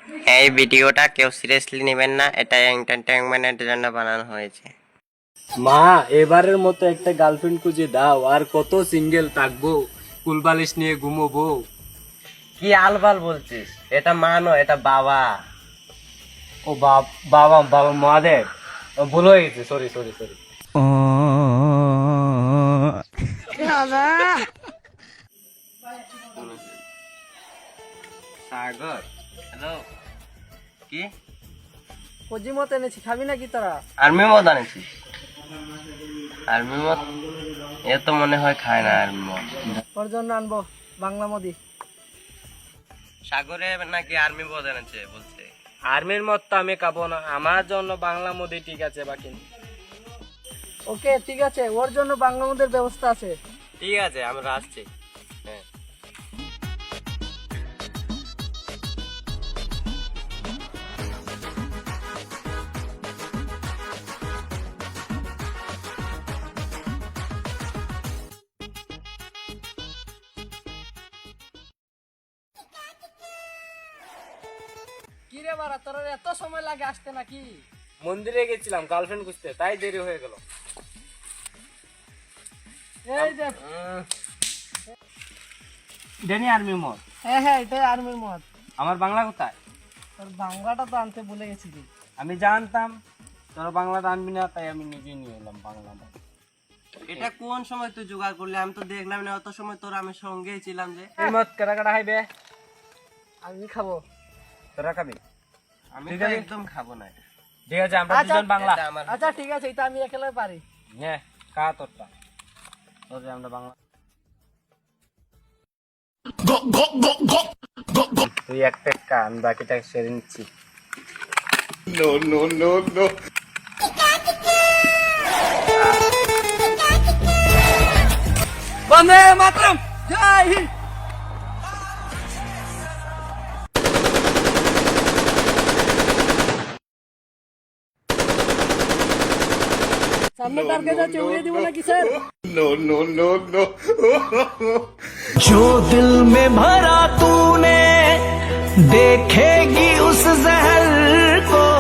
এই ভিডিওটা কেউ সিরিয়াসলি নেবেন না, এটা এন্টারটেইনমেন্টের জন্য বানানো হয়েছে। মা, এবারের মতো একটা গার্লফ্রেন্ড খুঁজে দাও, আর কত সিঙ্গেল থাকবো, কুলবালিশ নিয়ে ঘুমোবো। কি আলবাল বলছিস? এটা মা নয়, এটা বাবা। ও বাবা বাবা মহাদেব, ভুল হয়ে গেছে, sorry sorry sorry. Sagar, hello. কি কজি মত এনেছি, খাবি নাকি তোরা? আর্মি মদ আনেছিস? আর্মি মদ এ তো মনে হয় খায় না আর্মি মদ। ওর জন্য আনবো বাংলা মদি। সাগরে নাকি আর্মি মদ এনেছে বলছে। আর্মির মত তো আমি খাবো না, আমার জন্য বাংলা মুদি ঠিক আছে বাকি। ওকে ঠিক আছে, ওর জন্য বাংলা মদের ব্যবস্থা আছে। ঠিক আছে, আমরা আসছি। হ্যাঁ, কি রে বাড়া, তোর এত সময় লাগে আসতে নাকি? মন্দিরে গেছিলাম গার্লফ্রেন্ড খুঁজতে, তাই দেরি হয়ে গেল। এই যে ডেনি আর্মি মত। হ্যাঁ হ্যাঁ, এটাই আর্মির মদ। আমার বাংলা কোথায়? তোর বাংলাটা তো আনতে ভুলে গেছি রে। আমি জানতাম তোরা বাংলাটা আনবি না, তাই আমি নিজে নিয়ে এলাম বাংলা মত। এটা কোন সময় তুই জোগাড় করলি? আমি তো দেখলাম না, অত সময় তোর আমি সঙ্গেই ছিলাম যে। এই মত কাটা কাটা খাইবে? আমি খাবো। তোরা খাবি? আমি ঠিক তো আছে। একদম খাবো না এটা। ঠিক আছে, আমরা আচ্ছা, দুজন বাংলা। এটা আমার আচ্ছা ঠিক আছে, এটা আমি একেলা পারি। হ্যাঁ, কা তোরটা তোর আমরা বাংলা। তুই একটা কা, আমি বাকিটা সেরে নিচ্ছি। বন্দে মাতরম, জয় হিন্দ। সামনে টার্গেট আছে, উড়িয়ে দিব নাকি স্যার? जो दिल में भरा तूने देखेगी उस जहर को